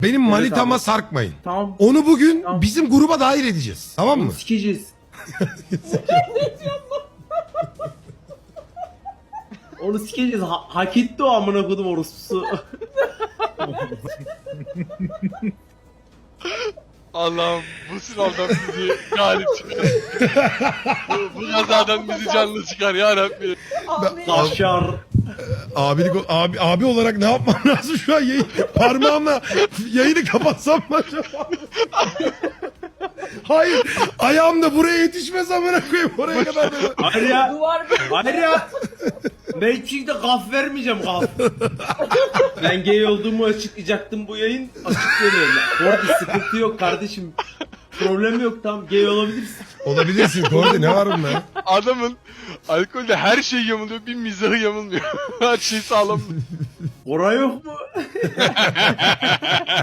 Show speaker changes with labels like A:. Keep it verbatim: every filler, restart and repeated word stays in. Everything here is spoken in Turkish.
A: Benim
B: Evet
A: manitama
B: abi.
A: sarkmayın.
B: Tamam.
A: Onu bugün
B: Tamam.
A: bizim gruba dahil edeceğiz. Tamam mı?
B: Onu sikeceğiz. Onu sikeceğiz. Ha- hak etti o amına kodum orospusu.
C: Allah'ım bu sınavdan bizi galip çıkar. bu, bu kazadan bizi canlı çıkar ya Rabbi.
D: Abi.
B: Kaşar.
A: Abilik, abi, abi olarak ne yapmam lazım şu an? Yayın, parmağımla yayını kapatsam mı acaba? Hayır. Ayağım da buraya yetişmez amına koyayım. Oraya kadar da.
B: Hayır ya.
D: Duvar
B: Hayır ya. Ben hiçbir şekilde gaf vermeyeceğim gaf. Ben gay olduğumu açıklayacaktım bu yayın. Açıklıyorum. Orada sıkıntı yok kardeşim. Problem yok, tamam gay olabilirsin.
A: Olabilirsin. Kordi ne var bunda?
C: Adamın alkolde her şey yamuluyor, bir mizahı yamulmuyor. her şey sağlam.
B: Ora yok mu?